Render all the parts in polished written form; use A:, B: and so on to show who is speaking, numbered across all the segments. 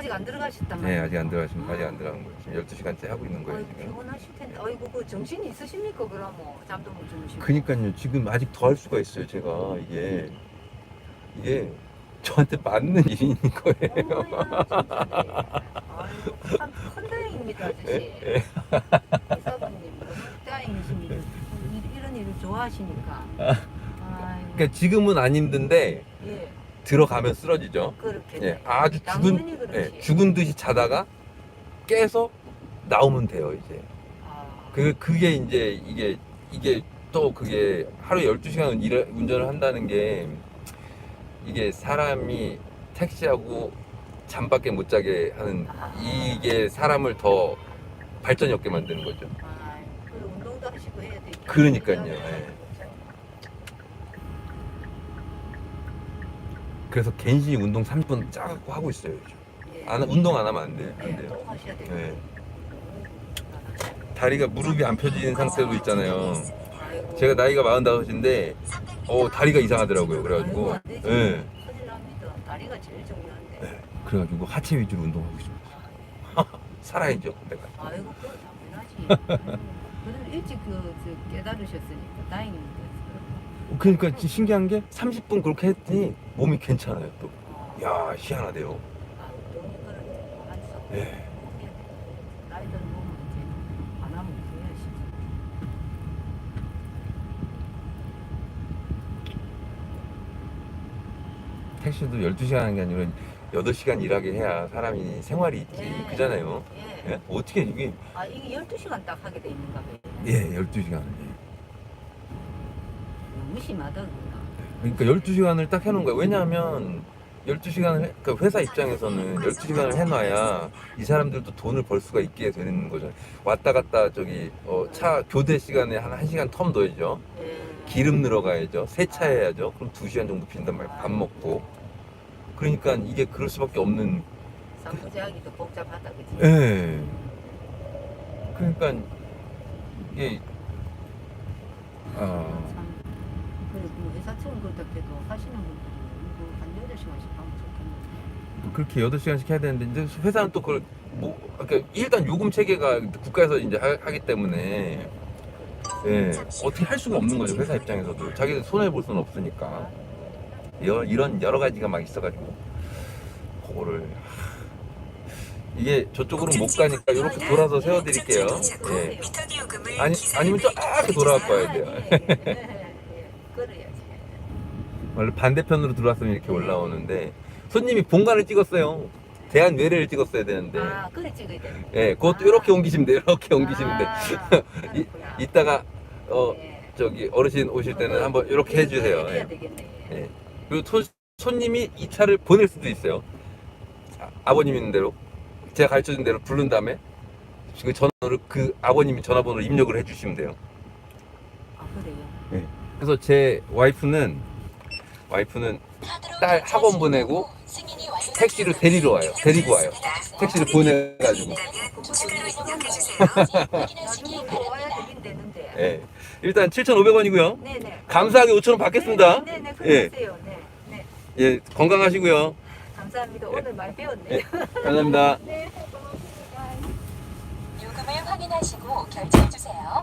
A: 아직 안 들어가셨단
B: 네,
A: 말이에요?
B: 아직 안 들어가신, 아직 안 들어간 거예요. 지금 12시간째 하고 있는 거예요,
A: 아이고,
B: 지금.
A: 피곤하실 텐데. 아이고, 그 정신이 있으십니까? 그럼 뭐 잠도 못 주무시고.
B: 그니까요, 지금 아직 더 할 수가 있어요, 제가. 이게 저한테 맞는 일인 거예요.
A: 어머야, 진짜. 아이고, 참 큰 다행입니다, 아저씨. 이사부님, 너무 다행이십니다. 이런 일을 좋아하시니까. 아이고,
B: 그러니까 지금은 안 힘든데
A: 예,
B: 들어가면 쓰러지죠.
A: 그렇게.
B: 예, 아주
A: 당연히
B: 죽은,
A: 그렇지.
B: 예, 죽은 듯이 자다가 깨서 나오면 돼요, 이제.
A: 아,
B: 그게 이제 이게 또 그게 하루에 12시간 운전을 한다는 게 이게 사람이 택시하고 잠밖에 못 자게 하는 이게 사람을 더 발전이 없게 만드는 거죠.
A: 그리고 운동도 하시고 해야 되니까.
B: 그러니까요. 예. 그래서 갠신히 운동 30분 짜갖고 하고 있어요. 요즘. 운동 안 하면 안 돼요. 안 돼요.
A: 꼭 하셔야 돼요.
B: 예. 다리가 무릎이 안 펴지는 상태도 있잖아요. 제가 나이가 45인데 다리가 이상하더라고요. 그래가지고
A: 안 되지.
B: 예.
A: 큰일 납니다. 다리가 제일 중요한데.
B: 예. 그래가지고 하체 위주로 운동하고 있습니다. 살아야죠, 내가.
A: 아이고, 그건 당연하지. 그래도 일찍 깨달으셨으니까 다행입니다.
B: 그러니까 진짜 신기한 게 30분 그렇게 했더니 몸이 괜찮아요 또. 야, 희한하대요.
A: 운동이 그런 한수.
B: 예.
A: 나이 든 몸은 이제 안 하면 후회하시죠.
B: 택시도 12시간 하는 게 아니라 8시간 일하게 해야 사람이 생활이 있지.
A: 예.
B: 그잖아요.
A: 예.
B: 예? 어떻게 이게
A: 이게 12시간 딱 하게 돼 있는가 봐요.
B: 예, 12시간.
A: 너무 심하다, 그거.
B: 그러니까 12시간을 딱 해놓은 거예요. 왜냐하면 12시간을 그러니까 회사 입장에서는 12시간을 해놔야 이 사람들도 돈을 벌 수가 있게 되는 거죠. 왔다 갔다 차 교대 시간에 한 1시간 텀 넣어야죠. 기름 늘어가야죠. 세차해야죠. 그럼 2시간 정도 빈단 말이에요. 밥 먹고. 그러니까 이게 그럴 수밖에 없는.
A: 상부제하기도 복잡하다, 그치?
B: 예. 그러니까 이게
A: 참. 그리고 뭐 회사처럼 그렇다 해도 하시는 분들이 이거 한 8시간씩 하면 좋겠는데.
B: 그렇게 8시간씩 해야 되는데 이제 회사는 또 그걸 그러니까 일단 요금 체계가 국가에서 이제 하기 때문에 예, 어떻게 할 수가 없는 거죠. 회사 입장에서도 자기들 손해 볼 수는 없으니까 이런 여러 가지가 막 있어가지고 그거를 이게 저쪽으로 못 가니까 이렇게 돌아서 세워드릴게요. 예. 아니면 쫙 돌아갖고 와야 돼요.
A: 그래야지.
B: 원래 반대편으로 들어왔으면 이렇게 올라오는데 손님이 본관을 찍었어요. 대한 외래를 찍었어야 되는데.
A: 그래 찍어야 돼.
B: 예, 그것도 이렇게 옮기시면 돼요. 이렇게 옮기시면 돼. 이따가 저기 어르신 오실 때는 한번 이렇게 해주세요.
A: 해야
B: 예.
A: 되겠네.
B: 예. 그리고 손님이 이 차를 보낼 수도 있어요. 아버님 있는 대로 제가 가르쳐준 대로 부른 다음에 그 전화를 그 아버님이 전화번호를 입력을 해주시면 돼요.
A: 그래요?
B: 예. 그래서 제 와이프는 딸 학원 보내고 택시를 데리고 와요. 택시를 보내가지고.
A: 나중에 또 와야 되긴 되는데.
B: 예. 일단 7,500원이고요.
A: 네네.
B: 감사하게 5,000원 받겠습니다.
A: 네네.
B: 예.
A: 그러세요. 네. 네.
B: 예, 건강하시고요.
A: 감사합니다. 오늘 많이 배웠네요.
B: 예, 감사합니다.
A: 네. 고맙습니다.
C: 요금을 확인하시고 결제해 주세요.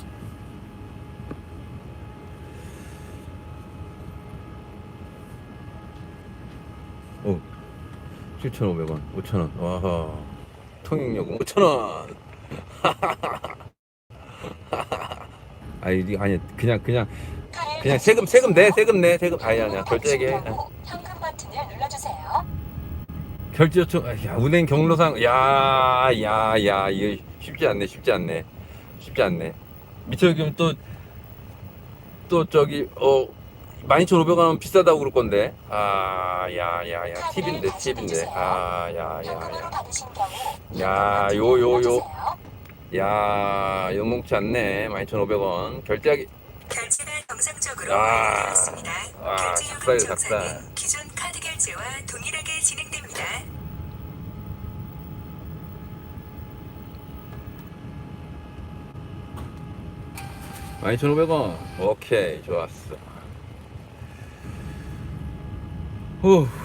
B: 오, 7,500원, 5,000원. 와, 통행요금 5,000원. 아니, 그냥 세금 내. 아니야, 결제하게.
C: 현금 버튼을 눌러주세요.
B: 결제 요청, 야, 운행 경로상, 이거 쉽지 않네. 미처 여기면 또 저기, 12,500원 하면 비싸다고 그럴 건데. 팁인데.
C: 현금으로 받으신 경우
B: 야, 요. 영롱치 않네. 12,500원. 결제하기.
D: 결제가 정상적으로
B: 아,
D: 완료되었습니다. 결제
B: 작사예요,
D: 요금
B: 작사.
D: 정산은 기존 카드 결제와 동일하게 진행됩니다.
B: 12,500원. 오케이, 좋았어. 후.